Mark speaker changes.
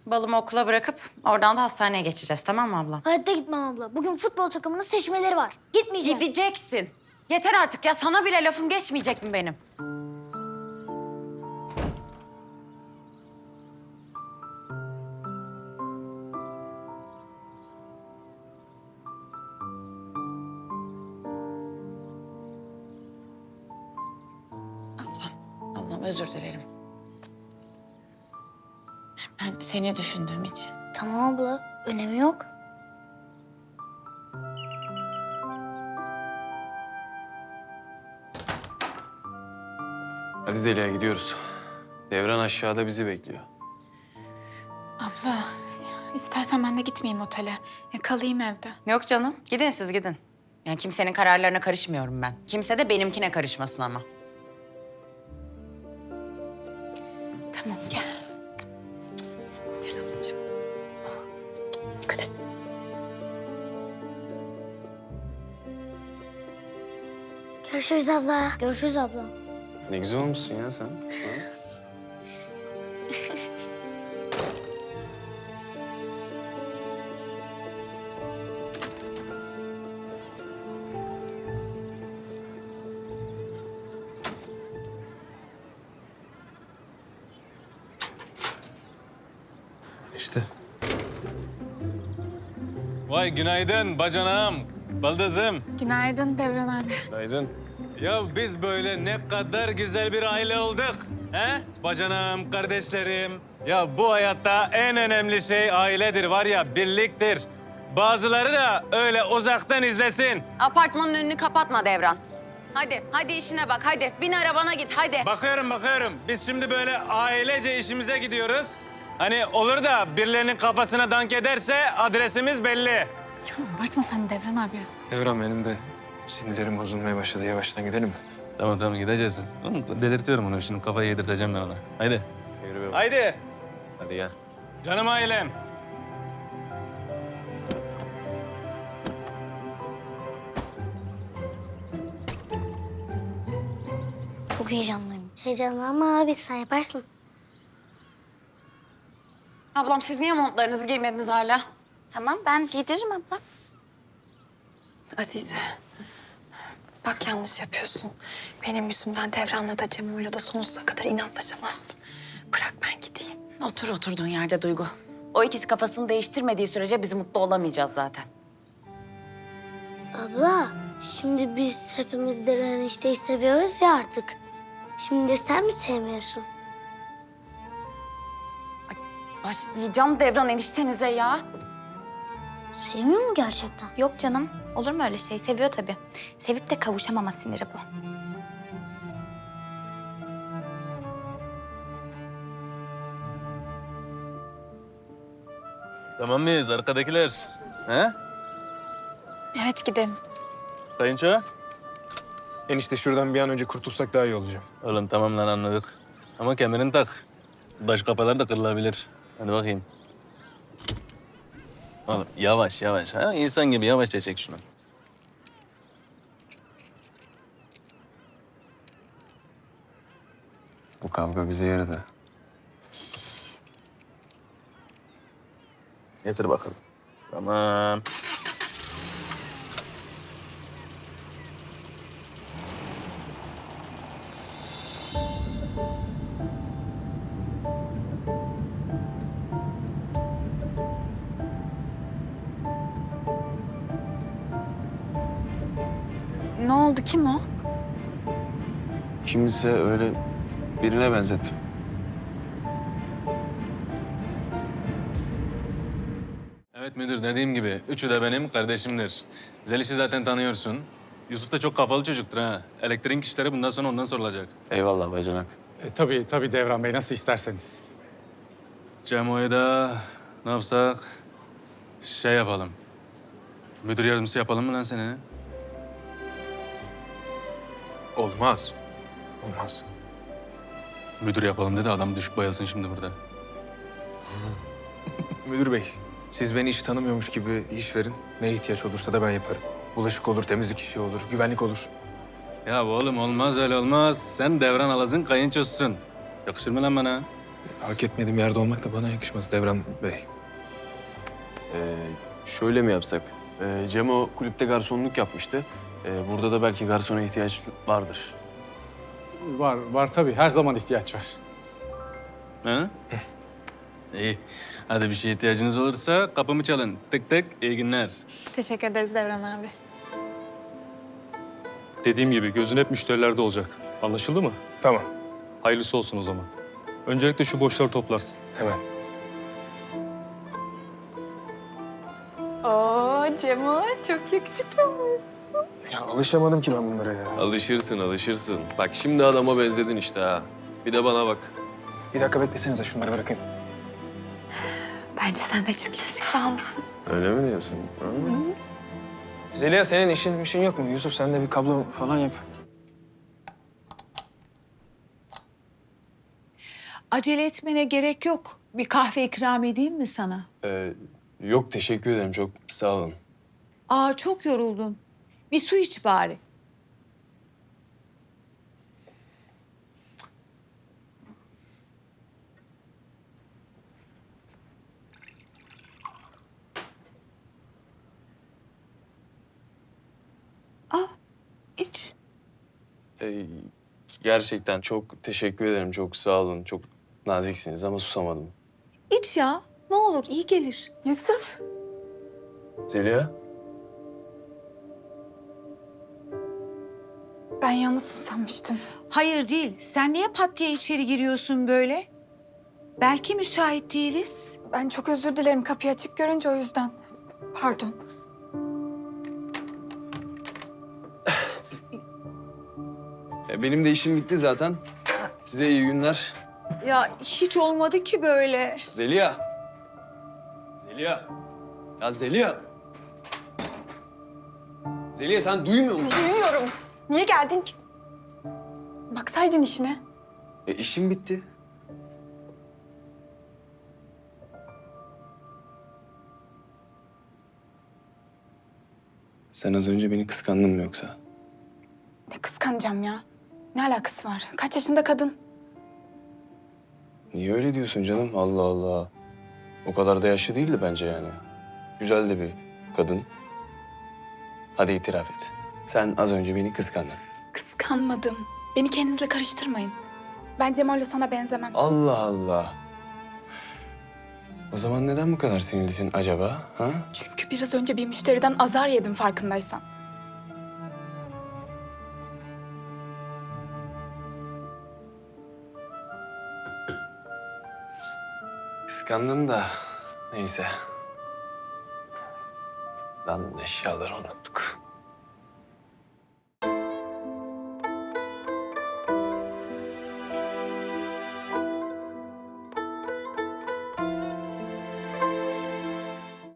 Speaker 1: Balımı okula bırakıp oradan da hastaneye geçeceğiz, tamam mı abla?
Speaker 2: Hayatta gitmem abla. Bugün futbol takımının seçmeleri var. Gitmeyeceğim.
Speaker 1: Gideceksin. Yeter artık ya, sana bile lafım geçmeyecek mi benim? Ablam özür dilerim. Ben seni düşündüğüm için.
Speaker 2: Tamam abla. Önemi yok.
Speaker 3: Hadi Zeliha gidiyoruz. Devran aşağıda bizi bekliyor.
Speaker 4: Abla, istersen ben de gitmeyeyim otele. Kalayım evde.
Speaker 1: Yok canım, gidin siz gidin. Yani kimsenin kararlarına karışmıyorum ben. Kimse de benimkine karışmasın ama.
Speaker 4: Tamam, gel. Dikkat et.
Speaker 2: Görüşürüz abla. Görüşürüz abla.
Speaker 3: Ne güzel olmuşsun ya sen. Ha? İşte.
Speaker 5: Vay günaydın bacanağım, baldızım.
Speaker 4: Günaydın Devran abi.
Speaker 3: Günaydın.
Speaker 5: Ya biz böyle ne kadar güzel bir aile olduk. He? Bacanağım, kardeşlerim. Ya bu hayatta en önemli şey ailedir var ya, birliktir. Bazıları da öyle uzaktan izlesin.
Speaker 1: Apartmanın önünü kapatma Devran. Hadi işine bak, hadi. Bin arabana git, hadi.
Speaker 5: Bakıyorum. Biz şimdi böyle ailece işimize gidiyoruz. Hani olur da birilerinin kafasına dank ederse adresimiz belli.
Speaker 4: Ya abartma sen Devran abi.
Speaker 3: Devran benim de sinirlerim bozulmaya başladı. Yavaştan gidelim mi?
Speaker 5: Tamam gideceğiz. Oğlum, delirtiyorum onu. Şimdi kafayı yedirteceğim ben ona. Haydi.
Speaker 3: Yürü be.
Speaker 5: Haydi.
Speaker 3: Hadi gel.
Speaker 5: Canım ailem.
Speaker 2: Çok heyecanlıyım. Heyecanlanma abi. Sen yaparsın.
Speaker 1: Ablam siz niye montlarınızı giymediniz hala?
Speaker 4: Tamam, ben giydiririm abla.
Speaker 6: Azize, bak yanlış yapıyorsun. Benim yüzümden Devran'la da Cemo'yla da sonsuza kadar inatlaşamazsın. Bırak ben gideyim.
Speaker 1: Otur oturduğun yerde Duygu. O ikisi kafasını değiştirmediği sürece biz mutlu olamayacağız zaten.
Speaker 2: Abla, şimdi biz hepimiz Devran enişteyi seviyoruz ya artık. Şimdi de sen mi sevmiyorsun?
Speaker 1: Başlayacağım Devran eniştenize ya.
Speaker 2: Sevmiyor mu gerçekten?
Speaker 4: Yok canım, olur mu öyle şey? Seviyor tabii. Sevip de kavuşamama siniri bu.
Speaker 5: Tamam mıyız arkadakiler? He?
Speaker 4: Evet, gidelim.
Speaker 5: Kayınço?
Speaker 3: Enişte şuradan bir an önce kurtulsak daha iyi olacak.
Speaker 5: Oğlum tamam lan anladık. Ama kemerini tak. Baş kapalar da kırılabilir. Hadi bakayım. Oğlum yavaş. Ha? İnsan gibi yavaşça çek şunu.
Speaker 3: Bu kavga bize yaradı.
Speaker 5: Getir bakalım. Tamam.
Speaker 4: Ne oldu, kim o?
Speaker 3: Kimse öyle birine benzetti.
Speaker 5: Evet müdür, dediğim gibi üçü de benim kardeşimdir. Zeliş'i zaten tanıyorsun. Yusuf da çok kafalı çocuktur ha. Elektrik işleri bundan sonra ondan sorulacak.
Speaker 3: Eyvallah bacanak.
Speaker 7: Tabii Devran Bey, nasıl isterseniz.
Speaker 5: Cemo'yu da ne yapsak? Şey yapalım. Müdür yardımcısı yapalım mı lan seni?
Speaker 3: Olmaz. Olmaz.
Speaker 5: Müdür yapalım dedi, adam düşüp bayılsın şimdi burada.
Speaker 3: Müdür bey, siz beni hiç tanımıyormuş gibi iş verin. Ne ihtiyaç olursa da ben yaparım. Bulaşık olur, temizlik işi olur, güvenlik olur.
Speaker 5: Ya oğlum olmaz öyle olmaz. Sen Devran Alaz'ın kayınçosusun. Yakışır mı lan bana?
Speaker 3: Hak etmediğim yerde olmak da bana yakışmaz Devran Bey.
Speaker 8: Şöyle mi yapsak? Cemo kulüpte garsonluk yapmıştı. Burada da belki garsona ihtiyaç vardır.
Speaker 7: Var tabii. Her zaman ihtiyaç var.
Speaker 5: Ha? İyi. Hadi bir şeye ihtiyacınız olursa kapımı çalın. Tık tık, iyi günler.
Speaker 4: Teşekkür ederiz Devran abi.
Speaker 9: Dediğim gibi gözün hep müşterilerde olacak. Anlaşıldı mı?
Speaker 3: Tamam,
Speaker 9: Hayırlısı olsun o zaman. Öncelikle şu boşları toplarsın.
Speaker 3: hemen.
Speaker 4: Oo Cemo çok yakışıklı olmuş.
Speaker 3: Ya alışamadım ki ben bunlara ya.
Speaker 8: Alışırsın. Bak şimdi adama benzedin işte ha. Bir de bana bak.
Speaker 3: Bir dakika beklesenize şunları bırakayım.
Speaker 6: Bence sen de çok yakışıklı olmuşsun.
Speaker 8: Öyle mi diyorsun?
Speaker 3: Zeliha senin işin yok mu? Yusuf sen de bir kablo falan yap.
Speaker 10: Acele etmene gerek yok. Bir kahve ikram edeyim mi sana?
Speaker 8: Yok teşekkür ederim çok sağ olun.
Speaker 10: Aa çok yoruldun. Bir su iç bari. Aa iç.
Speaker 8: Gerçekten çok teşekkür ederim. Çok sağ olun. Çok naziksiniz ama susamadım.
Speaker 10: İç ya. Ne olur iyi gelir.
Speaker 4: Yusuf.
Speaker 8: Zeliha.
Speaker 4: Ben yalnızsın sanmıştım.
Speaker 10: Hayır değil. Sen niye pat diye içeri giriyorsun böyle? Belki müsait değiliz.
Speaker 4: Ben çok özür dilerim kapıyı açık görünce o yüzden. Pardon.
Speaker 8: Benim de işim bitti zaten. Size iyi günler.
Speaker 10: Ya hiç olmadı ki böyle.
Speaker 8: Zeliha. Zeliha. Ya Zeliha. Zeliha sen duymuyor musun?
Speaker 4: Duyuyorum. Niye geldin ki? Baksaydın işine.
Speaker 8: İşim bitti. Sen az önce beni kıskandın mı yoksa?
Speaker 4: Ne kıskanacağım ya? Ne alakası var? Kaç yaşında kadın?
Speaker 8: Niye öyle diyorsun canım? Allah Allah. O kadar da yaşlı değildi bence yani. Güzel de bir kadın. Hadi itiraf et. Sen az önce beni kıskandın.
Speaker 4: Kıskanmadım. Beni kendinizle karıştırmayın. Ben Cemal'le sana benzemem.
Speaker 8: Allah Allah. O zaman neden bu kadar sinirlisin acaba? Ha?
Speaker 4: Çünkü biraz önce bir müşteriden azar yedim farkındaysan.
Speaker 8: Kıskandın da neyse. Lan eşyaları unuttuk.